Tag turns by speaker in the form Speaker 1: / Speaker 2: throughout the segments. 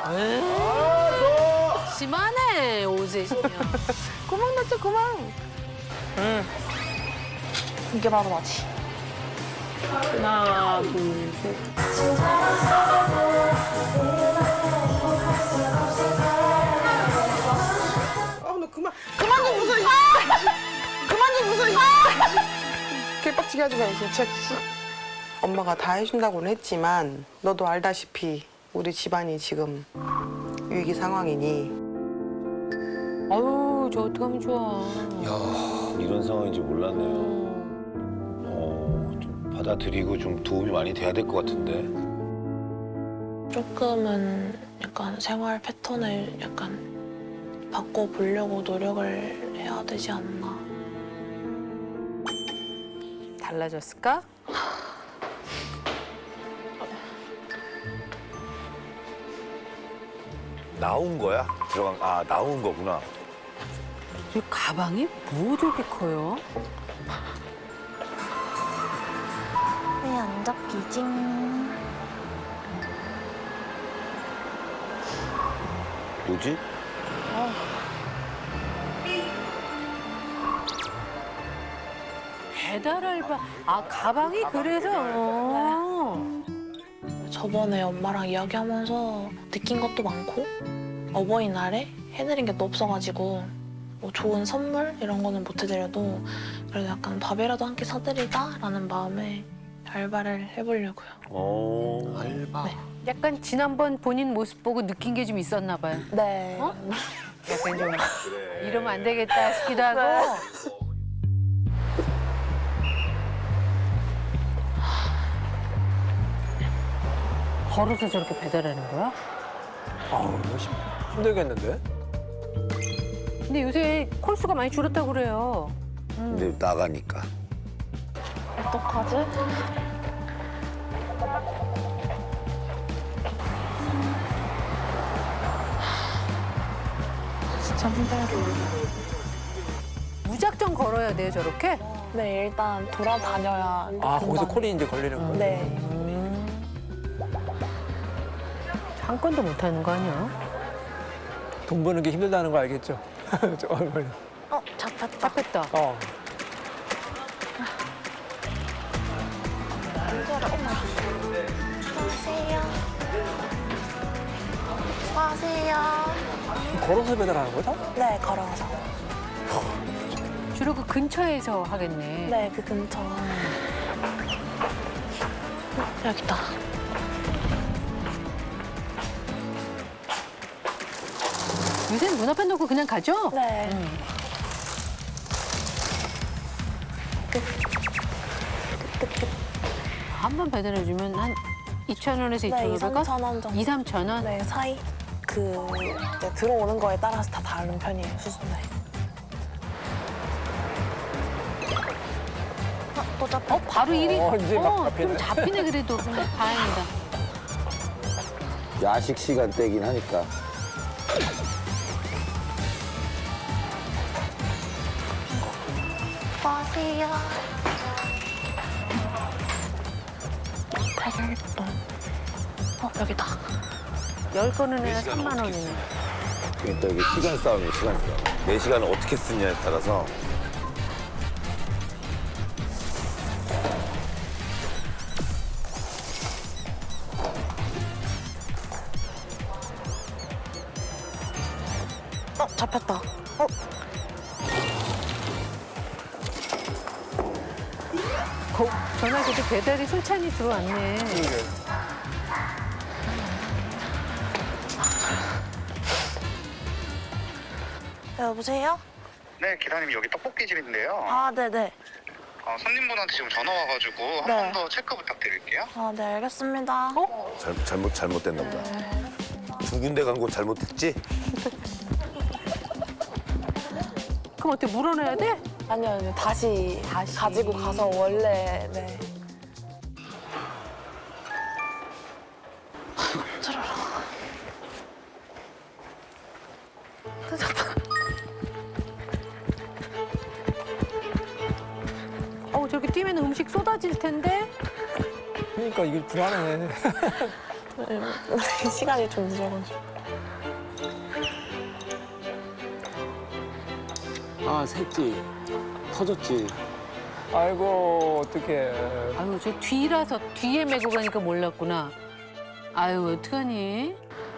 Speaker 1: 심하네, 오셋이면.
Speaker 2: 그만 넣자, 그만. 이게 바로 나지.
Speaker 1: 하나, 둘, 셋.
Speaker 3: 너 그만 좀 웃어. 그만 좀 웃어. 개빡치게 하지 마, 진짜. 엄마가 다 해준다고는 했지만 너도 알다시피 우리 집안이 지금 위기 상황이니
Speaker 1: 아유, 저 어떡하면 좋아.
Speaker 4: 야, 이런 상황인지 몰랐네요. 좀 받아들이고 좀 도움이 많이 돼야 될 것 같은데.
Speaker 2: 조금은 약간 생활 패턴을 약간 바꿔보려고 노력을 해야 되지 않나.
Speaker 1: 달라졌을까?
Speaker 4: 나온 거야? 나온 거구나.
Speaker 1: 저 가방이 뭐 저렇게 커요?
Speaker 2: 왜 안 잡히지?
Speaker 4: 뭐지?
Speaker 1: 배달 알바. 아, 가방이 그래서.
Speaker 2: 저번에 엄마랑 이야기하면서 느낀 것도 많고 어버이날에 해드린 게 또 없어가지고 뭐 좋은 선물 이런 거는 못 해드려도 그래도 약간 밥이라도 한 끼 사드리자라는 마음에 알바를 해보려고요.
Speaker 4: 알바.
Speaker 1: 약간 지난번 본인 모습 보고 느낀 게 좀 있었나 봐요.
Speaker 2: 네.
Speaker 1: 어? 약간 좀 이러면 안 되겠다 싶기도 하고. 걸어서 저렇게 배달하는 거야?
Speaker 5: 아우, 힘들겠는데?
Speaker 1: 근데 요새 콜수가 많이 줄었다고 그래요.
Speaker 4: 근데 나가니까.
Speaker 2: 어떡하지? 진짜 힘들어.
Speaker 1: 무작정 걸어야 돼요, 저렇게?
Speaker 2: 네, 일단 돌아다녀야.
Speaker 5: 아, 거기서
Speaker 2: 금방.
Speaker 5: 콜이 이제 걸리는 거야?
Speaker 2: 네.
Speaker 1: 한 건도 못 하는 거 아니야?
Speaker 5: 돈 버는 게 힘들다는 거 알겠죠? 저 얼굴.
Speaker 2: 잡혔다.
Speaker 1: 잡혔다.
Speaker 5: 어.
Speaker 2: 수고하세요.
Speaker 5: 걸어서 배달하는 거야, 다?
Speaker 2: 네, 걸어서.
Speaker 1: 주로 그 근처에서 하겠네.
Speaker 2: 네, 그 근처. 여기다.
Speaker 1: 요새는 문 앞에 놓고 그냥 가죠?
Speaker 2: 네.
Speaker 1: 한 번 배달해주면 한 2,000원에서
Speaker 2: 네, 2,
Speaker 1: 2,500원?
Speaker 2: 3천 원 정도.
Speaker 1: 2, 3,000원?
Speaker 2: 네, 사이. 이제 들어오는 거에 따라서 다 다른 편이에요, 수준이. 또 잡혔다.
Speaker 1: 바로 일이
Speaker 5: 이제 막
Speaker 1: 좀
Speaker 5: 잡히네.
Speaker 1: 잡히네 그래도. 다행이다.
Speaker 4: 야식 시간대긴 하니까.
Speaker 2: 수고하세요. 대결동. 여기다.
Speaker 1: 10건은 해야 3만 원이네.
Speaker 4: 그러니까 이게 시간 싸움이에요, 시간 싸움. 내 시간을 어떻게 쓰냐에 따라서.
Speaker 2: 잡혔다.
Speaker 1: 전화 그때 배달이 솔찬히 들어왔네.
Speaker 2: 여보세요?
Speaker 6: 네, 기사님 여기 떡볶이집인데요.
Speaker 2: 아, 네네.
Speaker 6: 손님분한테 지금 전화 와가지고 한
Speaker 2: 네.
Speaker 6: 번 더 체크 부탁드릴게요.
Speaker 2: 아, 네, 알겠습니다.
Speaker 4: 잘못됐나 보다. 두 군데 간 거 잘못했지?
Speaker 1: 그럼 어떻게 물어내야 돼?
Speaker 2: 아니요. 다시 가지고 가서 원래, 네.
Speaker 1: 저렇게 뛰면 음식 쏟아질 텐데?
Speaker 5: 그러니까 이게 불안해.
Speaker 2: 시간이 좀 늦어가지고.
Speaker 7: 아, 샜지. 터졌지.
Speaker 5: 아이고, 어떡해.
Speaker 1: 아유, 저 뒤라서 뒤에 메고 가니까 몰랐구나. 아유, 어떡하니?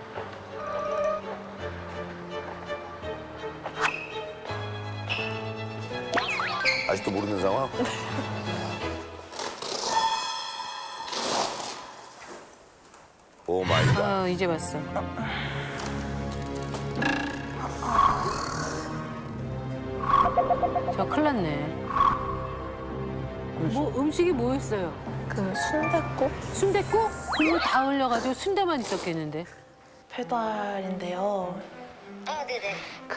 Speaker 4: 아직도 모르는 상황? 오 마이 갓.
Speaker 1: 아, 이제 봤어. 저 큰일 났네. 뭐 음식이 뭐였어요?
Speaker 2: 그 순댓국
Speaker 1: 순댓국? 국물 다 흘려가지고 순대만 있었겠는데.
Speaker 2: 배달인데요.
Speaker 8: 아, 네네.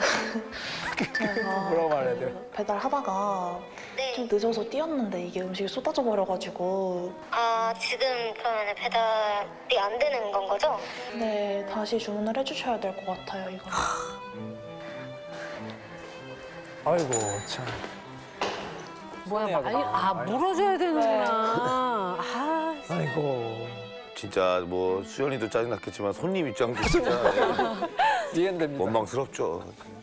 Speaker 2: 제가
Speaker 5: 뭐라고 말해야 돼요?
Speaker 2: 배달하다가
Speaker 8: 네.
Speaker 2: 좀 늦어서 뛰었는데 이게 음식이 쏟아져 버려가지고
Speaker 8: 아, 지금 그러면 배달이 안 되는 건 거죠?
Speaker 2: 네 다시 주문을 해주셔야 될 것 같아요 이거.
Speaker 5: 아이고, 참.
Speaker 1: 뭐야,
Speaker 5: 손해야,
Speaker 1: 아니, 물어줘야 되는구나. 아,
Speaker 5: 아이고.
Speaker 4: 진짜 뭐 수연이도 짜증났겠지만 손님 입장도 진짜
Speaker 5: 이해됩니다.
Speaker 4: 원망스럽죠.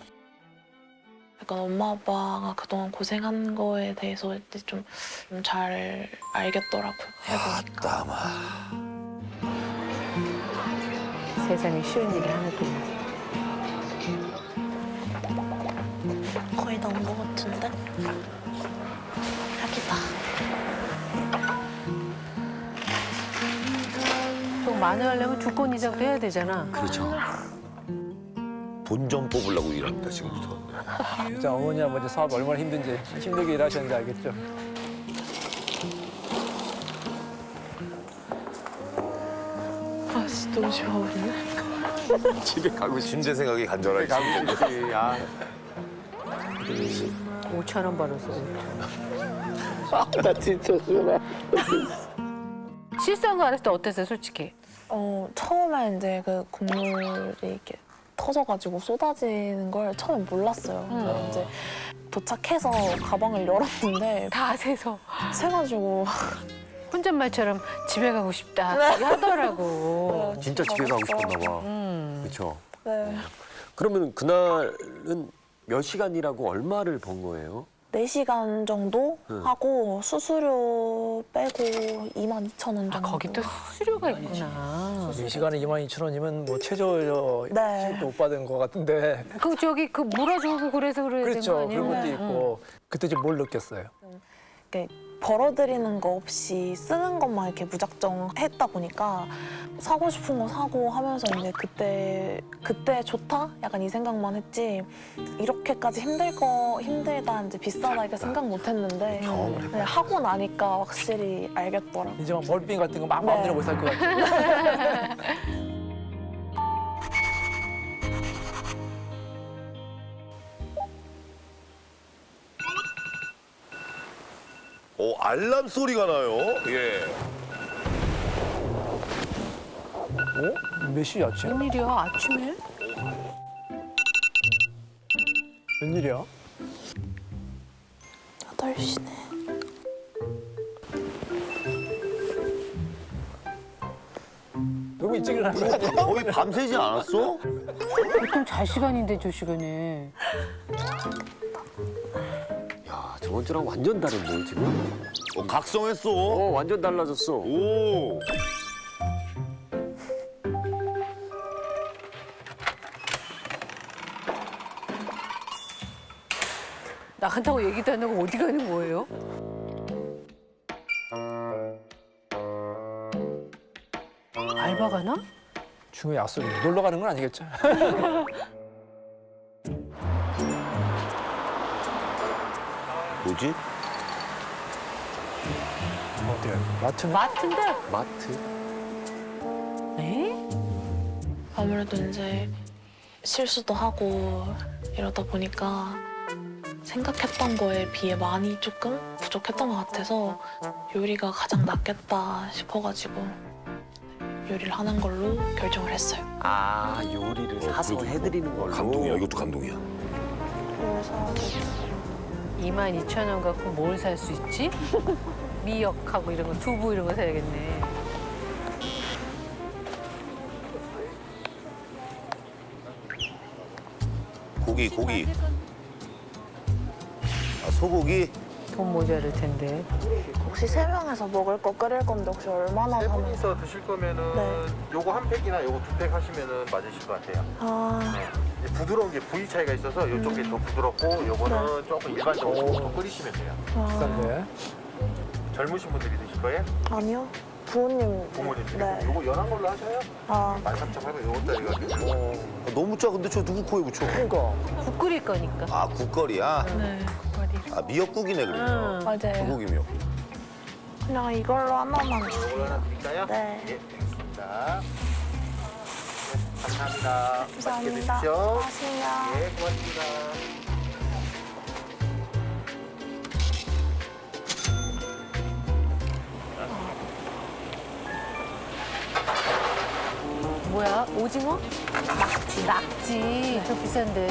Speaker 2: 약간 엄마 아빠가 그동안 고생한 거에 대해서 이제 좀 잘 알겠더라고요 해보니까.
Speaker 4: 따마.
Speaker 1: 세상에 쉬운 일이 하나도 없네.
Speaker 2: 거의 다 온 것 같은데? 여기다.
Speaker 1: 좀 많이 하려면 주권 이상도 해야 되잖아.
Speaker 7: 그렇죠.
Speaker 4: 본전 뽑으려고 일합니다 지금부터.
Speaker 5: 진짜 어머니, 아버지 사업 얼마나 힘든지, 힘들게 일하셨는지 알겠죠?
Speaker 2: 아씨 너무 좋아버리네.
Speaker 7: 집에 가고 싶
Speaker 4: 침대 생각이 간절하게.
Speaker 7: 지 아,
Speaker 1: 5천 원 벌었어.
Speaker 7: 나 진짜 싫어.
Speaker 1: 실수한 거 알았을 때 어땠어요, 솔직히?
Speaker 2: 처음에 이제 그 국물이 이렇게 터져가지고 쏟아지는 걸 처음에 몰랐어요. 근데 이제 도착해서 가방을 열었는데
Speaker 1: 다 세서
Speaker 2: 새가지고
Speaker 1: 혼잣말처럼 집에 가고 싶다 하더라고.
Speaker 7: 진짜 집에 가고 싶었나 봐. 그렇죠.
Speaker 2: 네.
Speaker 7: 그러면 그날은 몇 시간이라고 얼마를 번 거예요?
Speaker 2: 4시간 정도 하고 수수료 빼고 22,000원 정도.
Speaker 1: 아, 거기 또 수수료가 있구나.
Speaker 5: 이 시간에 22,000원이면 뭐 최저
Speaker 2: 네.
Speaker 5: 수입도 못 받은 것 같은데.
Speaker 1: 그 저기 그 물어주고 그래서 그래야 되는 거
Speaker 5: 그렇죠.
Speaker 1: 아니에요?
Speaker 5: 그런 것도 있고. 그때 좀 뭘 느꼈어요?
Speaker 2: 이렇게 벌어들이는 거 없이 쓰는 것만 이렇게 무작정 했다 보니까 사고 싶은 거 사고 하면서 이제 그때 좋다? 약간 이 생각만 했지 이렇게까지 힘들다 이제 비싸다 이렇게 생각 못 했는데 그냥 하고 나니까 확실히 알겠더라고요.
Speaker 5: 이제 막 멀빙 같은 거 막 마음대로
Speaker 2: 네.
Speaker 5: 못 살 것 같아요.
Speaker 4: 오 알람 소리가 나요. 예.
Speaker 5: 어? 몇 시야, 지금?
Speaker 1: 웬일이야, 아침에?
Speaker 5: 웬일이야?
Speaker 2: 8시네.
Speaker 5: 너무 일찍 일어난 거 아니야?
Speaker 4: 거의 밤새지 않았어?
Speaker 1: 보통 잘 시간인데 저 시간에.
Speaker 7: 야, 저번 주랑 완전 다른데 지금?
Speaker 4: 각성했어.
Speaker 7: 완전 달라졌어.
Speaker 4: 오.
Speaker 1: 나간다고 얘기도 안 하고 어디 가는 거예요? 알바 가나?
Speaker 5: 중요해, 약속이. 놀러 가는 건 아니겠죠?
Speaker 4: 뭐지?
Speaker 5: 어디야? 마트네?
Speaker 1: 마트인데?
Speaker 7: 마트?
Speaker 1: 에?
Speaker 2: 아무래도 이제 실수도 하고 이러다 보니까 생각했던 거에 비해 많이 조금 부족했던 것 같아서 요리가 가장 낫겠다 싶어가지고 요리를 하는 걸로 결정을 했어요.
Speaker 7: 아, 요리를 사서 해드리는 걸로.
Speaker 4: 감동이야. 이것도 감동이야.
Speaker 2: 그래서
Speaker 1: 22,000원 갖고 뭘 살 수 있지? 미역하고 이런 거, 두부 이런 거 사야겠네.
Speaker 4: 고기. 아, 소고기?
Speaker 1: 돈 모자랄 텐데.
Speaker 2: 혹시 세 명에서 먹을 거 끓일 건데 혹시 얼마나
Speaker 9: 세
Speaker 2: 하면?
Speaker 9: 분이서 드실 거면은
Speaker 2: 네.
Speaker 9: 요거 한 팩이나 요거 두 팩 하시면은 맞으실 것 같아요.
Speaker 2: 아,
Speaker 9: 이제 부드러운 게 부위 차이가 있어서 요쪽이 더 부드럽고 요거는 조금 일반적으로 더 끓이시면 돼요.
Speaker 5: 비싼데.
Speaker 9: 젊으신 분들이 드실 거예요?
Speaker 2: 아니요. 부모님.
Speaker 9: 부모님들이?
Speaker 2: 네.
Speaker 9: 요거 연한 걸로 하셔요?
Speaker 2: 아,
Speaker 9: 13,800 요것짜리 가지고.
Speaker 4: 너무 짜. 근데 저 누구 코에 붙여?
Speaker 5: 그러니까.
Speaker 1: 국 끓일 거니까.
Speaker 4: 아, 국거리야?
Speaker 2: 네.
Speaker 4: 아, 미역국이네, 그러면.
Speaker 2: 맞아요.
Speaker 4: 소고기 미역.
Speaker 2: 그냥 이걸로 하나만
Speaker 9: 요걸로
Speaker 2: 주세요.
Speaker 9: 하나 드릴까요?
Speaker 2: 네.
Speaker 9: 예, 알겠습니다. 네, 감사합니다. 맛있게
Speaker 2: 감사합니다.
Speaker 9: 드십시오.
Speaker 2: 고맙습니다.
Speaker 9: 예, 고맙습니다.
Speaker 1: 뭐야? 오징어? 낙지. 낙지. 저 비싼데.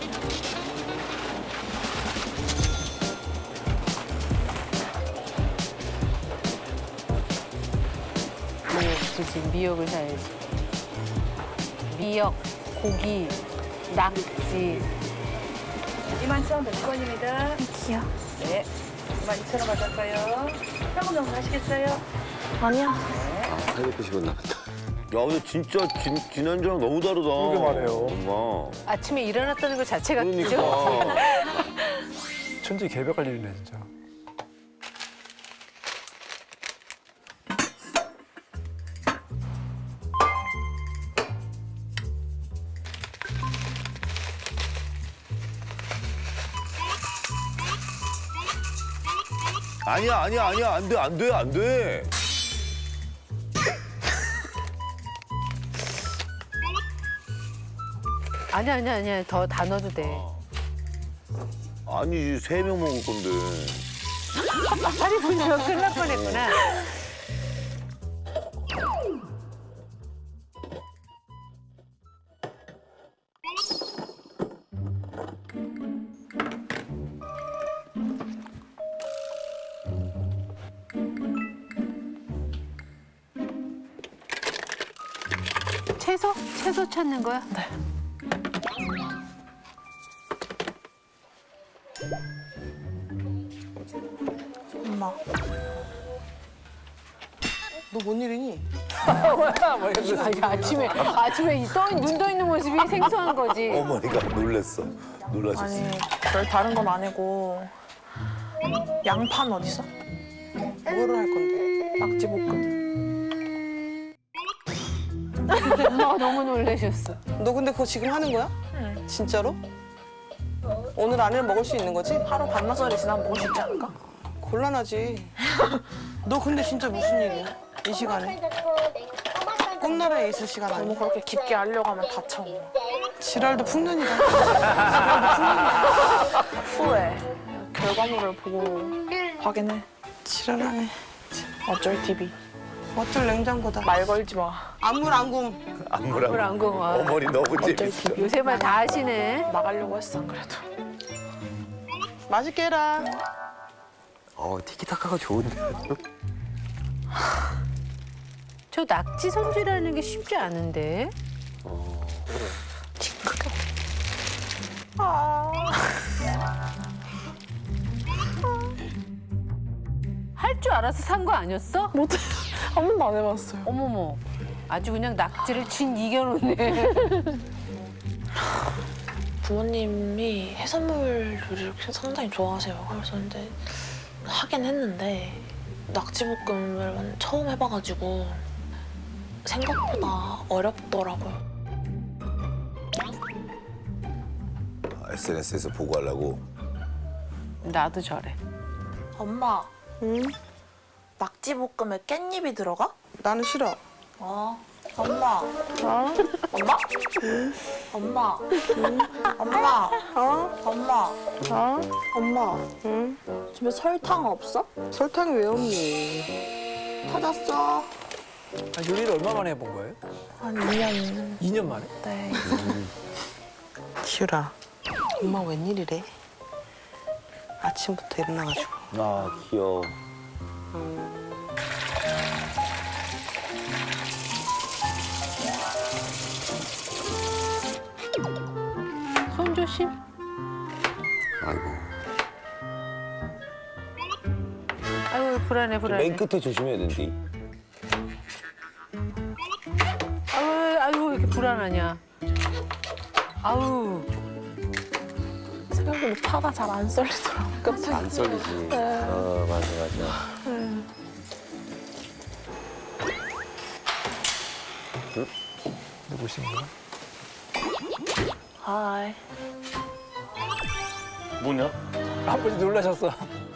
Speaker 1: 그치, 미역을 사야지. 미역, 고기, 낙지.
Speaker 10: 21,100원입니다.
Speaker 2: 귀여워.
Speaker 10: 네. 22,000원 받을까요? 현금 정도 하시겠어요?
Speaker 2: 아니야.
Speaker 7: 아, 890원 남았다.
Speaker 4: 야, 근데 진짜 지난주랑 너무 다르다.
Speaker 5: 그러게 말해요.
Speaker 4: 엄마.
Speaker 1: 아침에 일어났다는 것 자체가 그죠?
Speaker 4: 그러니까.
Speaker 5: 천지 개벽할 일이네, 진짜.
Speaker 4: 아니야. 안 돼.
Speaker 1: 아니야. 더 다 넣어도 돼.
Speaker 4: 아니, 3명 먹을 건데.
Speaker 1: 살이 분명 큰일 날 뻔했구나. 채소? 채소 찾는 거야? 네.
Speaker 2: 엄마.
Speaker 3: 너 뭔 일이니?
Speaker 1: 아니, 아침에 눈 떠 있는 모습이 생소한 거지.
Speaker 4: 어머니가 놀랐어. 놀라셨어.
Speaker 2: 아니, 별 다른 건 아니고 양파는 어디 있어?
Speaker 3: 뭐를 할 건데?
Speaker 2: 낙지볶음.
Speaker 1: 엄마가 너무 놀라셨어.
Speaker 3: 너 근데 그거 지금 하는 거야?
Speaker 2: 응.
Speaker 3: 진짜로? 오늘 안에는 먹을 수 있는 거지?
Speaker 2: 하루 반나절이 지나면 먹을 수 있지 않을까?
Speaker 3: 곤란하지. 너 근데 진짜 무슨 일이야? 이 시간에? 꿈나라에 있을 시간
Speaker 2: 너무
Speaker 3: 아니야?
Speaker 2: 그렇게 깊게 알려고 하면 다쳐.
Speaker 3: 지랄도 풍년이다.
Speaker 2: 후에 결과물을 보고 확인해.
Speaker 3: 지랄하네.
Speaker 2: 어쩔 TV.
Speaker 3: 어쩔 냉장고다.
Speaker 2: 말 걸지 마.
Speaker 3: 안물 안금.
Speaker 1: 그걸 안 고.
Speaker 4: 어머니 너무 재밌어.
Speaker 1: 요새 말 다 하시네.
Speaker 2: 나가려고 했어, 안 그래도.
Speaker 3: 맛있게 해라.
Speaker 7: 티키타카가 좋은데.
Speaker 1: 저 낙지 손질하는 게 쉽지 않은데. 할 줄 알아서 산 거 아니었어?
Speaker 2: 못해. 한 번도 안 해봤어요.
Speaker 1: 어머머. 아주 그냥 낙지를 진 이겨놓네.
Speaker 2: 부모님이 해산물 요리를 상당히 좋아하세요. 그래서 근데 하긴 했는데 낙지볶음을 처음 해봐가지고 생각보다 어렵더라고요.
Speaker 4: SNS에서 보고 하려고.
Speaker 1: 나도 저래.
Speaker 2: 엄마,
Speaker 3: 응?
Speaker 2: 낙지볶음에 깻잎이 들어가?
Speaker 3: 나는 싫어.
Speaker 2: 엄마. 엄마? 엄마. 엄마. 엄마. 엄마.
Speaker 3: 응?
Speaker 2: 집에 설탕 없어?
Speaker 3: 설탕이 왜 없니?
Speaker 2: 찾았어.
Speaker 5: 요리를 얼마 만에 해본 거예요?
Speaker 2: 한 2년.
Speaker 5: 2년 만에?
Speaker 2: 네.
Speaker 3: 기울아, 엄마 웬일이래? 아침부터 일어나가지고.
Speaker 4: 아, 귀여워.
Speaker 1: 손 조심.
Speaker 7: 아이고.
Speaker 1: 아유 불안해 불안해.
Speaker 4: 맨 끝에 조심해야 된디.
Speaker 1: 아유 왜 이렇게 불안하냐. 아우.
Speaker 2: 생각보다 파가 잘 안 썰리더라고. 끝에.
Speaker 7: 안 썰리지. 맞아, 맞아.
Speaker 5: 누구신가?
Speaker 2: 하이.
Speaker 9: 뭐냐?
Speaker 5: 아버지 놀라셨어.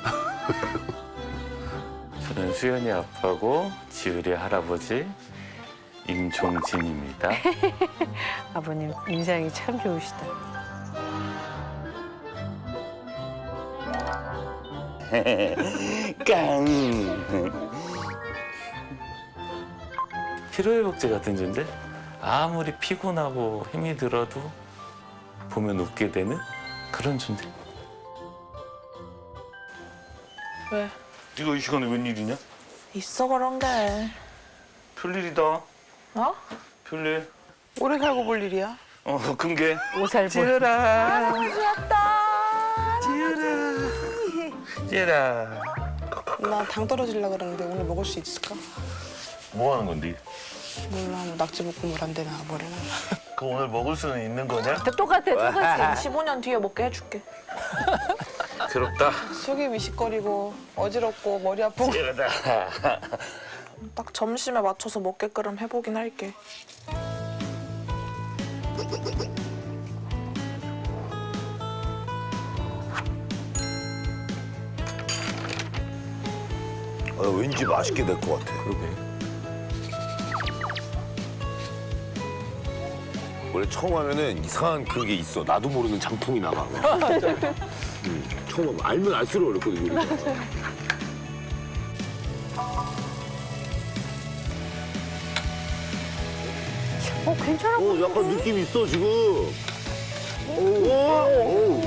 Speaker 11: 저는 수연이 아빠고 지율이 할아버지 임종진입니다.
Speaker 1: 아버님 인상이 참 좋으시다.
Speaker 11: 깡. 피로회복제 같은 존재? 아무리 피곤하고 힘이 들어도 보면 웃게 되는 그런 존재.
Speaker 2: 왜?
Speaker 11: 이거 이 시간에 웬일이냐?
Speaker 2: 있어 그런 게.
Speaker 11: 별일이다.
Speaker 2: 어?
Speaker 11: 별일.
Speaker 3: 오래 살고 볼 일이야.
Speaker 11: 큰게.
Speaker 1: 오살보.
Speaker 3: 지으라.
Speaker 11: 찌라.
Speaker 3: 나 당 떨어지려고 그러는데 오늘 먹을 수 있을까?
Speaker 11: 뭐 하는 건데?
Speaker 3: 몰라, 뭐 낙지볶음을 안 되나 뭐래나.
Speaker 11: 그 오늘 먹을 수는 있는 거냐?
Speaker 1: 똑같아 똑같아.
Speaker 2: 15년 뒤에 먹게 해줄게.
Speaker 11: 괴롭다.
Speaker 3: 속이 미식거리고 어지럽고 머리 아프고.
Speaker 11: 찌르다.
Speaker 2: 딱 점심에 맞춰서 먹게끔 해보긴 할게.
Speaker 4: 왠지 맛있게 될 것 같아.
Speaker 7: 그러게.
Speaker 4: 원래 처음 하면은 이상한 그게 있어. 나도 모르는 장풍이 나가. 처음 하면 알면 알수록 어렵거든. 요리가.
Speaker 1: 괜찮아.
Speaker 4: 약간 느낌 있어 지금. 오.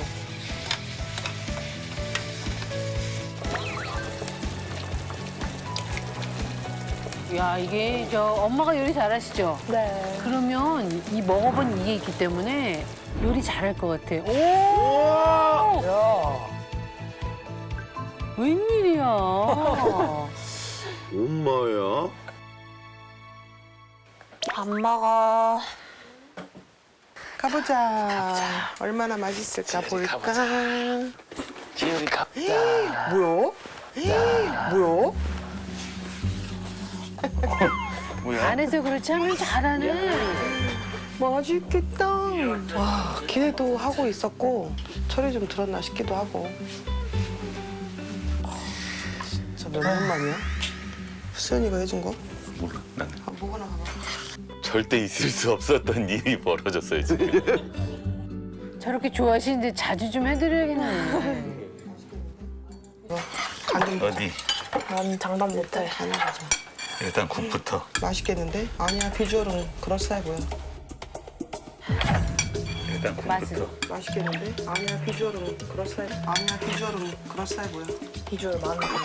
Speaker 1: 야 이게 저 엄마가 요리 잘하시죠?
Speaker 2: 네.
Speaker 1: 그러면 이 먹어본 이게 있기 때문에 요리 잘할 것 같아. 오!
Speaker 5: 야.
Speaker 1: 웬일이야?
Speaker 4: 엄마야.
Speaker 2: 안 먹어.
Speaker 3: 가보자. 얼마나 맛있을까 볼까.
Speaker 11: 지율이 갑다.
Speaker 3: 뭐야? 뭐야?
Speaker 11: 뭐야?
Speaker 1: 안에서 그렇지 하면 잘하네.
Speaker 3: 맛있겠다. 와, 기대도 하고 있었고 철이 좀 들었나 싶기도 하고. 진짜 몇 년 만이야? 수연이가 해준 거?
Speaker 11: 몰라. 나는
Speaker 3: 먹어나 봐봐.
Speaker 11: 절대 있을 수 없었던 일이 벌어졌어요 지금.
Speaker 1: 저렇게 좋아하시는데 자주 좀 해드려야겠네.
Speaker 3: 간좀
Speaker 11: 어디?
Speaker 2: 난 장담 못해.
Speaker 3: 간을 가자.
Speaker 11: 일단 국부터.
Speaker 3: 맛있겠는데? 아니야, 비주얼은 그럴싸해 보여.
Speaker 11: 일단 국부터.
Speaker 3: 맛있겠는데? 아니야, 비주얼은 그럴싸해. 아니야, 비주얼은 그럴싸해 보여.
Speaker 2: 비주얼 많은 거.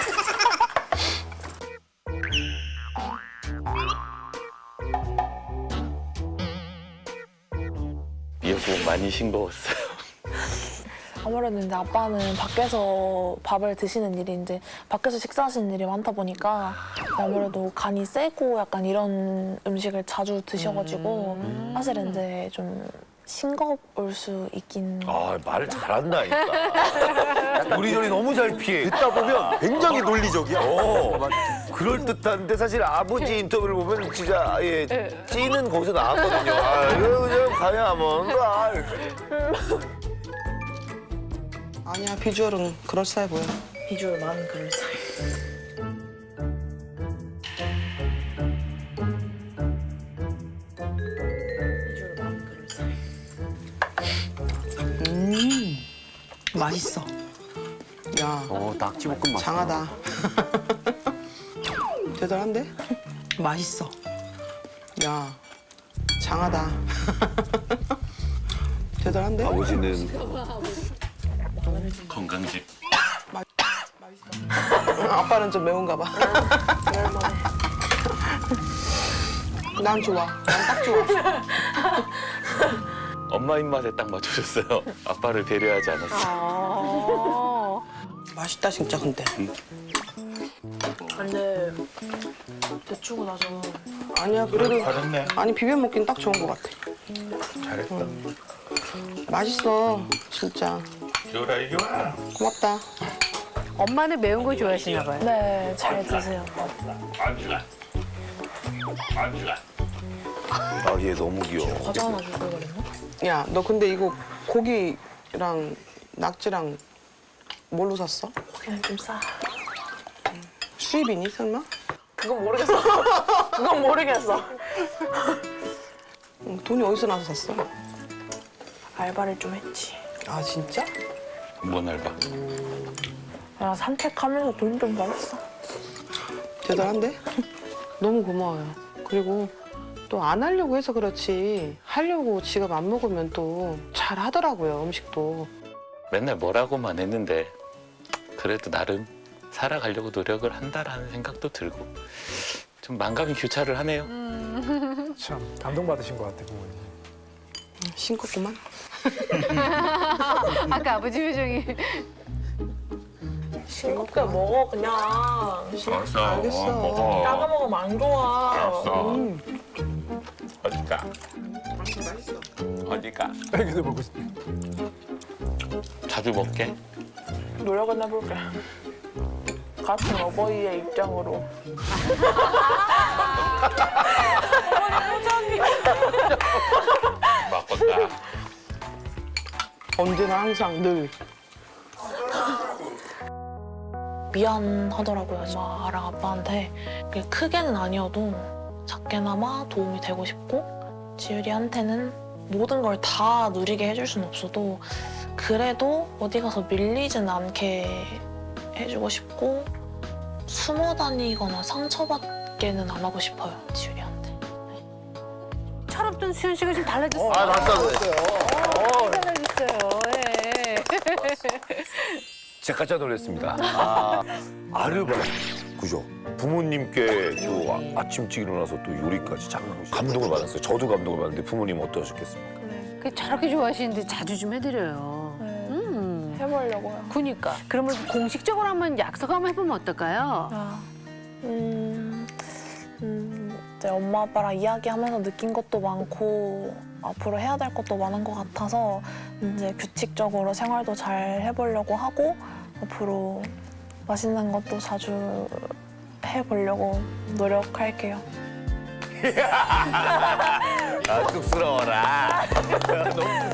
Speaker 11: 미역국 많이 싱거웠어요.
Speaker 2: 아무래도 이제 아빠는 밖에서 밥을 드시는 일이 이제 밖에서 식사하시는 일이 많다 보니까 아무래도 간이 세고 약간 이런 음식을 자주 드셔가지고 사실 이제 좀 싱거울 수 있긴.
Speaker 4: 아 말을 잘한다니까. 요리조리 너무 잘 피해.
Speaker 7: 듣다 보면 굉장히 논리적이야.
Speaker 4: 그럴 듯한데 사실 아버지 인터뷰를 보면 진짜 아예 찌는 거기서 나왔거든요. 아, 이거 그냥 가야 뭔가.
Speaker 3: 아니야, 비주얼은 그럴싸해 보여.
Speaker 2: 비주얼 많은 그릇 사이. 비주얼 많은 그릇 사이.
Speaker 3: 맛있어. 야,
Speaker 7: 낙지볶음 맛.
Speaker 3: 장하다. 대단한데? 맛있어. 야, 장하다. 대단한데?
Speaker 4: 아버지는
Speaker 11: 건강식.
Speaker 3: 아빠는 좀 매운가 봐. 난 좋아. 난 딱 좋아.
Speaker 11: 엄마 입맛에 딱 맞춰줬어요. 아빠를 배려하지 않았어요.
Speaker 3: 맛있다 진짜 근데.
Speaker 2: 근데 데치고 나서
Speaker 3: 아니야 그래도
Speaker 11: 잘했네.
Speaker 3: 아니 비벼 먹긴 딱 좋은 것 같아.
Speaker 11: 잘했다.
Speaker 3: 맛있어 진짜.
Speaker 11: 이거라 이거.
Speaker 3: 고맙다.
Speaker 1: 엄마는 매운 거 좋아하시나 봐요.
Speaker 2: 네, 잘 드세요.
Speaker 4: 아, 얘 너무 귀여워.
Speaker 2: 과자 하나 줄걸 그랬나?
Speaker 3: 야 너 근데 이거 고기랑 낙지랑 뭘로 샀어?
Speaker 2: 그냥 좀 싸.
Speaker 3: 수입이니 설마?
Speaker 2: 그건 모르겠어. 그건 모르겠어.
Speaker 3: 돈이 어디서 나서 샀어?
Speaker 2: 알바를 좀 했지.
Speaker 3: 아 진짜?
Speaker 11: 뭔 알바?
Speaker 2: 그냥 산책하면서 돈 좀 벌었어.
Speaker 3: 대단한데? 너무 고마워요. 그리고 또 안 하려고 해서 그렇지 하려고 지갑 안 먹으면 또 잘 하더라고요 음식도.
Speaker 11: 맨날 뭐라고만 했는데 그래도 나름 살아가려고 노력을 한다라는 생각도 들고 좀 만감이 교차를 하네요.
Speaker 5: 참 감동받으신 것 같아 부모님.
Speaker 3: 싱겁구만.
Speaker 1: 아까 아버지 표정이.
Speaker 2: 싱겁게 먹어 그냥.
Speaker 3: 알겠어.
Speaker 2: 작아 먹으면 안 좋아.
Speaker 11: 어디가? 어디가?
Speaker 5: 여기서 먹고 싶대.
Speaker 11: 자주 먹게.
Speaker 2: 노력은 해볼게. 같은 어버이의 입장으로.
Speaker 11: 먹었다.
Speaker 3: 언제나 항상 늘.
Speaker 2: 미안하더라고요, 엄마랑 아빠한테. 그게 크게는 아니어도 작게나마 도움이 되고 싶고 지율이한테는 모든 걸 다 누리게 해줄 순 없어도 그래도 어디 가서 밀리진 않게 해주고 싶고 숨어 다니거나 상처받게는 안 하고 싶어요, 지율이한테.
Speaker 1: 철없던 수현 씨가 좀 달라졌어요.
Speaker 4: 아, 맞다.
Speaker 1: 달라졌어요. 예.
Speaker 4: 제가 깜짝 놀랐습니다. 아, 아르바이트. 그죠? 부모님께 또 아침찍 일어나서 또 요리까지 참 감동을 받았어요. 저도 감동을 받았는데 부모님 어떠셨겠습니까?
Speaker 1: 그 저렇게 좋아하시는데 자주 좀 해드려요.
Speaker 2: 해보려고요.
Speaker 1: 그니까. 그러면 공식적으로 한번 약속 한번 해보면 어떨까요?
Speaker 2: 이제 엄마 아빠랑 이야기하면서 느낀 것도 많고 앞으로 해야 될 것도 많은 것 같아서 이제 규칙적으로 생활도 잘 해보려고 하고 앞으로 맛있는 것도 자주 해보려고 노력할게요.
Speaker 4: 아, 쑥스러워라. 너무